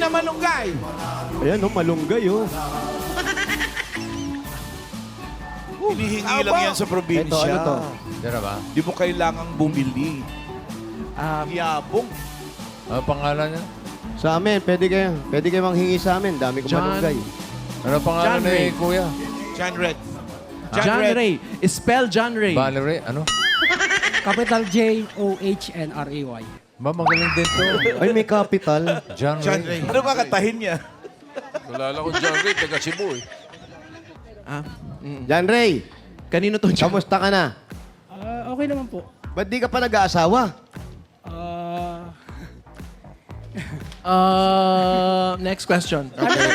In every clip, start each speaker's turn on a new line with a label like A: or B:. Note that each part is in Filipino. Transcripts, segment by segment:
A: na malunggay.
B: Ayan, oh, malunggay, oh.
A: Hinihingi lang yan sa probinsya.
B: Ito, ano to?
C: Diyan ba?
A: Di mo kailangang bumili. Yabong.
C: Ano pangalan niya?
B: Sa amin, pwede kayo manghingi sa amin. Dami kong malunggay.
C: Ano pangalan
D: John
C: ni
D: Ray.
C: Kuya?
A: John Red.
D: John Ray. Spell John Ray.
C: Valerie? Ano?
E: Capital J-O-H-N-R-A-Y.
C: Ba, magaling din to.
B: Ay, may capital.
C: John
A: John
C: Ray.
A: Ray. Ano kakatahin niya?
F: Kilala ko John Ray, taga Cebu eh.
B: Jan Ray,
D: Kanino to, John?
B: kamusta ka na?
E: Okay naman po.
B: Ba't di ka pa nag-aasawa?
D: Next question.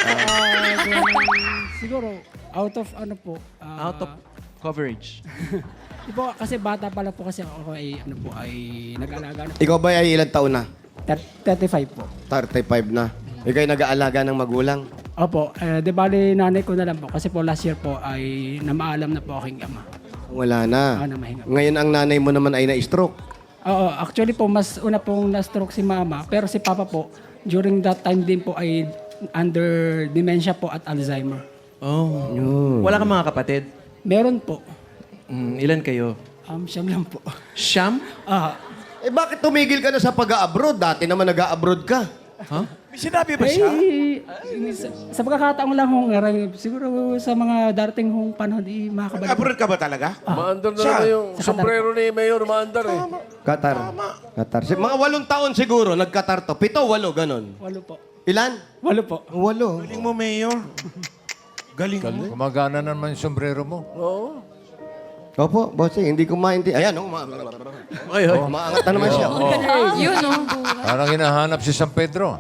E: Siguro, out of ano po.
D: Out of coverage.
E: Di po, kasi bata pala po kasi ako ay, ano po, ay nag-alaga na.
B: Ikaw ba ay ilang taon na?
E: 35 po.
B: 35 na. Ikaw ay nag-aalaga ng magulang.
E: Opo, di bali nanay ko na lang po. Kasi po last year po ay namaalam na po aking ama.
B: Wala na.
E: Namahinga.
B: Ngayon ang nanay mo naman ay na-stroke.
E: Oo, actually po, mas una pong na-stroke si mama. Pero si papa po, during that time din po ay under dementia po at Alzheimer.
D: Oh. Wala kang mga kapatid?
E: Meron po.
D: Ilan kayo?
E: Siyam lang po.
D: Siyam?
B: Eh bakit tumigil ka na sa pag-a-abroad? Dati naman nag-a-abroad ka.
A: May sinabi ba siya?
E: Sa pagkakataon lang hong siguro sa mga darating hong panahon, makakabalik.
A: Abroad ka ba talaga?
F: Maandar na naman yung sombrero ni Mayor, maandar eh.
B: Qatar. Qatar. Mga 8 taon siguro, nag-Qatar to. 7, 8, ganon.
E: 8 po.
B: Ilan?
E: 8 po.
B: 8.
A: Galing mo, Mayor. Galing mo.
C: Gumagana naman yung sombrero mo.
B: Opo, bossing, hindi ko maintindihan. Ayan, oh, maangat na naman siya.
G: Yun, no?
C: Parang hinahanap si San Pedro.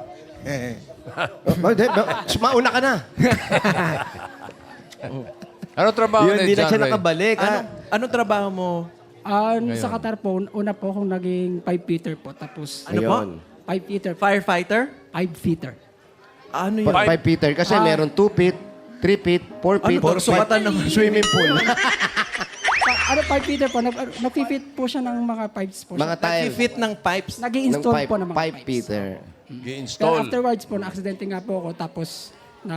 B: Mauna ka na.
C: Ano trabaho
B: Yun,
C: ni
B: hindi na
C: John
B: siya
C: Ray?
B: nakabalik.
D: Anong trabaho mo?
E: Sa Qatar po, una po akong naging 5-feeder po. Tapos,
D: Ano po?
E: 5-feeder.
D: Firefighter?
E: 5-feeder.
D: Ano yun?
B: 5 Peter. Kasi meron 2 feet, 3 feet, 4 feet,
D: Ano, sukatan ng
B: swimming pool.
E: Ano 5-feeder po? Nag-fit po siya ng mga pipes po.
B: Mga tile.
D: Fit ng pipes.
E: Nag-i-install po ng mga
B: 5
E: pipes.
B: Peter.
E: Pero
F: I-install.
E: afterwards po, na-aksidente nga po ako. Tapos,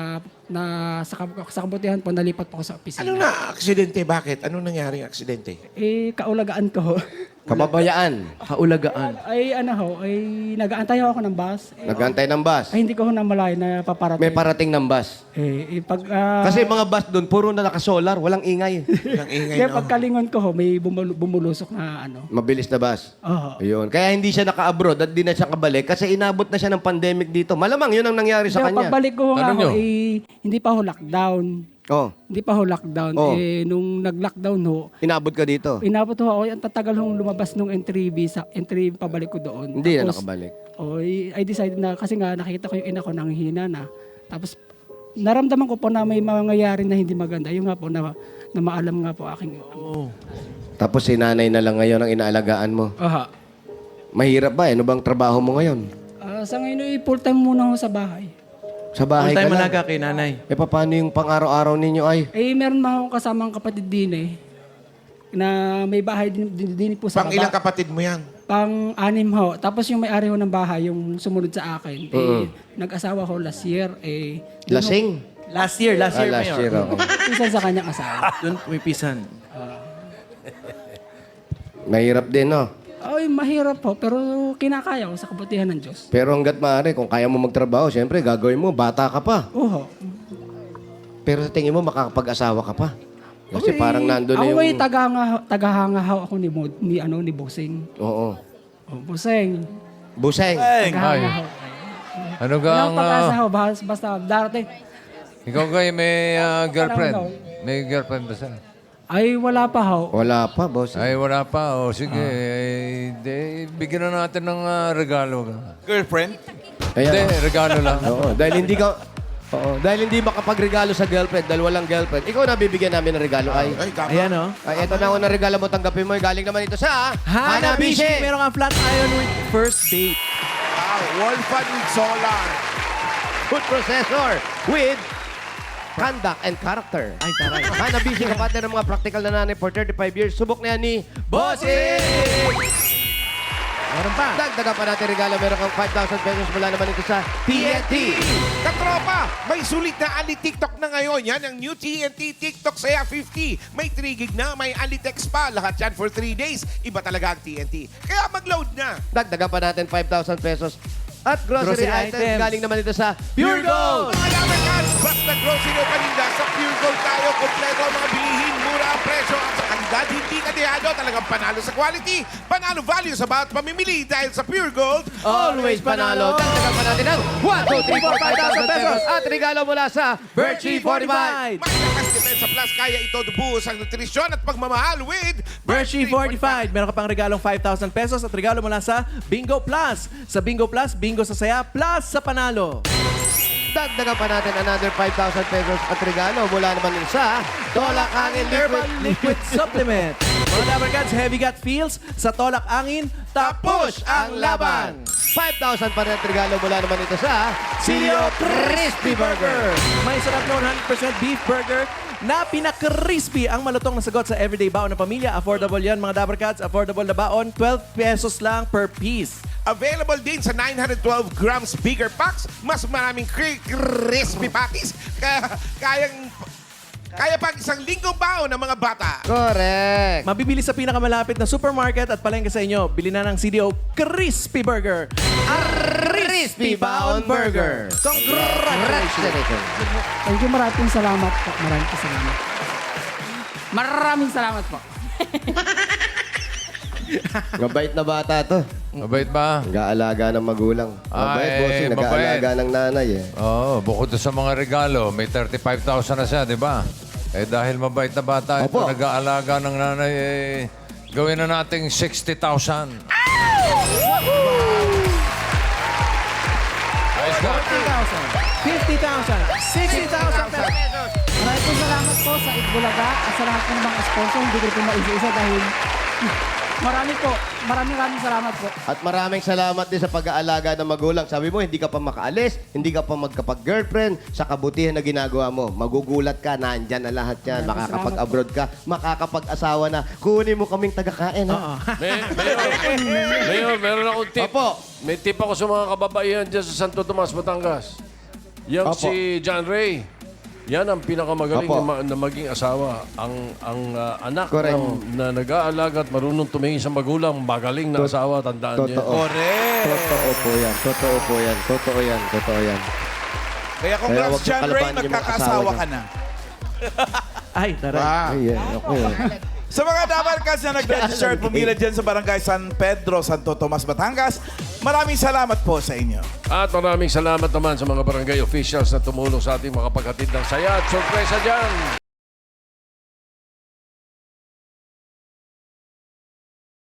E: sa kabutihan po, nalipat po ako sa opisina.
A: Ano na aksidente? Bakit? Anong nangyaring aksidente?
E: Kaulagaan ko.
B: Kababayaan.
D: Kaulagaan.
E: ay nag-aantay ako ng bus.
B: Nagantay ng bus.
E: Ay, hindi ko namalayan na paparating.
B: May parating ng bus. Kasi mga bus doon, puro na naka-solar, walang ingay.
A: Ang ingay
E: Kaya
A: no?
E: pagkalingon ko, may bumulusok na ano.
B: Mabilis na bus.
E: Oo.
B: Ayun. Kaya hindi siya naka-abroad at di na siya kabalik kasi inabot na siya ng pandemic dito. Malamang yun ang nangyari sa
E: Kaya
B: kanya.
E: pagbalik ko
C: Tanong nyo.
E: hindi pa ho lockdown.
B: Oh,
E: Hindi pa ho lockdown.
B: Oh.
E: Nung nag-lockdown ho,
B: inabot ka dito.
E: inabot ho ako. Ang tatagal hong lumabas nung entry visa, entry pabalik ko doon.
B: Hindi na
E: Tapos,
B: nakabalik.
E: I decided na, kasi nga nakita ko yung ina ko nang hina na. Tapos naramdaman ko po na may mangyayari na hindi maganda. Yung nga po na maalam nga po aking...
B: Tapos si nanay na lang ngayon ang inaalagaan mo.
E: Aha.
B: Mahirap ba? Ano bang trabaho mo ngayon?
E: Sa ngayon, full time muna ako sa bahay.
B: Sa bahay
D: Full-time
B: ka lang.
D: malaga kay nanay.
B: Eh, paano yung pang-araw-araw ninyo ay?
E: Meron mga akong kasamang kapatid din na may bahay din po sa
A: Pang ilang kapatid mo yan?
E: Pang-anim ho. Tapos yung may-ari ho ng bahay, yung sumunod sa akin, nag-asawa ho last year.
B: Lasing?
D: Last year,
B: Last
D: Mayor.
B: year, oo.
E: Isa sa kanyang asawa.
D: Doon pumipisan.
B: Mahirap din, no?
E: Ay, mahirap po, pero kinakaya ko sa kabutihan ng Diyos.
B: Pero hanggat maaari, kung kaya mo magtrabaho, siyempre, gagawin mo, bata ka pa.
E: Oo.
B: Pero sa tingin mo, makakapag-asasawa ka pa. Kasi parang nandun na
E: Ako
B: yung...
E: ay tagahanga ho ako ni Bosing.
B: Oo.
E: Oh, Bosing.
B: Buseng.
E: Tagahanga ho.
C: Ano
E: Walang
C: gang...
E: pag-asa ho, basta darating.
C: ikaw kayo may girlfriend?
E: Ano?
C: May girlfriend ba siya?
E: Ay, wala pa ho.
B: Wala pa, boss.
C: Ay, wala pa. O, sige. Bigyan na natin ng regalo.
A: Girlfriend?
C: Hindi,
B: Ayan.
C: regalo lang.
B: Oo, dahil hindi ka... Oo, dahil hindi makapagregalo sa girlfriend, dahil walang girlfriend. Ikaw na bibigyan namin ng regalo, ay.
A: Ay, kama.
D: Ayan, oh.
B: Ay, eto na unang regalo mo, tanggapin mo. Galing naman ito sa...
D: Hanabishi! Meron kang flat iron with first date.
A: Wolfan with solar.
B: Food processor with conduct and character.
D: Ay, taray.
B: Hanabishi, kapatid ng mga practical na nanay for 35 years. Subok na yan ni Bossing!
D: Meron pa.
B: Dagdagan pa natin regalo. Meron kang 5,000 pesos mula naman ito sa TNT.
A: Katropa, may sulit na Ali TikTok na ngayon. Yan ang new TNT TikTok Saya 50. May 3 gig na, may Ali text pa. Lahat yan for 3 days. Iba talaga ang TNT. Kaya mag-load na.
B: Dagdagan pa natin 5,000 pesos. At grocery,
D: Grocery
B: items.
D: items.
B: Galing naman ito sa Pure Gold.
A: Mga lamercats, basta grocery o paninda, sa Pure Gold tayo. Kompleto ang mga bilihin, mura ang presyo at sa kalidad, hindi kadehado. Talagang panalo sa quality, panalo value sa bawat pamimili dahil sa Pure Gold.
B: Always panalo. Dagdagan pa natin ng 1, 2, 3, 4, 5,000 pesos. At regalo mula sa Virtue 45.
A: May lakas depensa plus, kaya ito buhos ang nutrisyon at pagmamahal with
D: Virtue 45. Meron ka pang regalong 5,000 pesos at regalo mula sa Bingo Plus. Sa Bingo Plus, bingo sa saya plus sa panalo.
B: Dagdagan pa natin another 5,000 pesos at regalo mula naman sa Tolak Angin
D: Herbal
B: Liquid.
D: Liquid Supplement. Mga Labarkads, heavy gut feels sa Tolak Angin, tapos ang laban.
B: 5,000 pa rin at regalo mula naman ito sa Silio Crispy Burger.
D: May sarap na 100% beef burger na pinaka-crispy ang malutong na sagot sa everyday baon ng pamilya. Affordable yan mga Dabarkads. Affordable na baon, 12 pesos lang per piece.
A: Available din sa 912 grams bigger packs. Mas maraming crispy pakis. Kaya pang isang linggong baon ng mga bata.
B: Correct.
D: Mabibili sa pinakamalapit na supermarket at palengke sa inyo. Bili na ng CDO Crispy Burger.
B: Crispy Baon Burger.
D: Congratulations!
E: Thank you, maraming salamat po. Maraming salamat po.
B: Mabait na bata to.
C: Mabait ba?
B: Nag-aalaga ng magulang. Mabait,
C: Ay,
B: bossing.
C: mabait.
B: Nag-aalaga ng nanay eh.
C: Oo, bukod sa mga regalo, may 35,000 na siya, di ba? Eh dahil mabait na bata, ito
B: Opo.
C: nag-aalaga ng nanay, gawin na nating 60,000. Ayos ka.
D: 40,000, 50,000, 60,000 pesos.
E: Maraming po salamat po sa Itbulaga at sa lahat ng mga sponsor. Hindi ko po maisa-isa dahil maraming salamat po.
B: At maraming salamat din sa pag-aalaga ng magulang. Sabi mo, hindi ka pa makaalis, hindi ka pa magkapag-girlfriend, sa kabutihan na ginagawa mo. Magugulat ka, nandyan na lahat yan. Makakapag-abroad ka, makakapag-asawa na. Kunin mo kaming tagakain, ha?
F: Mayor, meron akong tip.
B: Opo.
F: May tip ako sa mga kababaihan dyan sa Santo Tomas, Batangas. Yang
B: Opo.
F: si John Ray. Yan ang pinakamagaling
B: Opo.
F: na maging asawa. Ang anak
B: Correct.
F: na nag-aalaga at marunong tumingin sa magulang, magaling na asawa, tandaan niyo.
B: Totoo.
A: Correct.
B: Totoo po yan. Totoo po yan. Totoo yan. Totoo yan.
A: Kaya
B: Kaya
A: congrats,
B: huwag
A: John Ray,
B: kalabanin yung mga
A: magkakaasawa
B: asawa
A: ka na.
D: Ay, taray.
B: Ay, yeah. Okay.
G: Sa mga Dabarkads na nag-register at pumila dyan sa Barangay San Pedro, Santo Tomas, Batangas, maraming salamat po sa inyo.
F: At maraming salamat naman sa mga barangay officials na tumulong sa ating makapaghatid ng saya at sorpresa dyan.